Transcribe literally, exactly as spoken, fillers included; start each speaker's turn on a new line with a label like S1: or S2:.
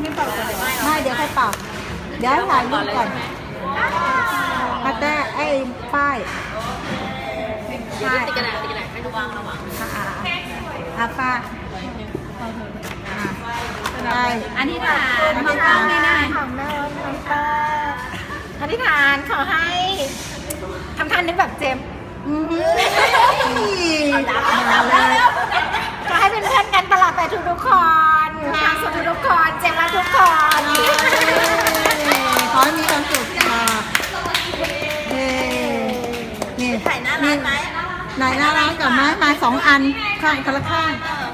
S1: ไม่เป่าก่อนเลย
S2: ไม่เดี๋ยวค่อยเป่าเดี๋ยวถ่ายรูปก่อนพัตเตอร์ไอ้ป้ายป้าย
S1: ติดกระดาษติดกระดาษให้ดูวางระหว่าง
S2: อ่าอาป้าใช่
S1: อธิษฐานมองกล้องนี่นะของแม่น้องป้าอธิษฐานขอให้ทำท่านนี้แบบเจม
S2: อืม
S1: เอาแล้วขอให้เป็นเพื่อนกันตลอดไปทุกทุกคนความสุขทุกคนเจมรักทุกคน
S2: ขอให้มีความสุขค่ะเฮ้นี่
S1: ถ่ายหน้าร้านไหม
S2: ไหนหน้าร้านกับไม้มาสองอันข้างคนละข้าง
S1: เออ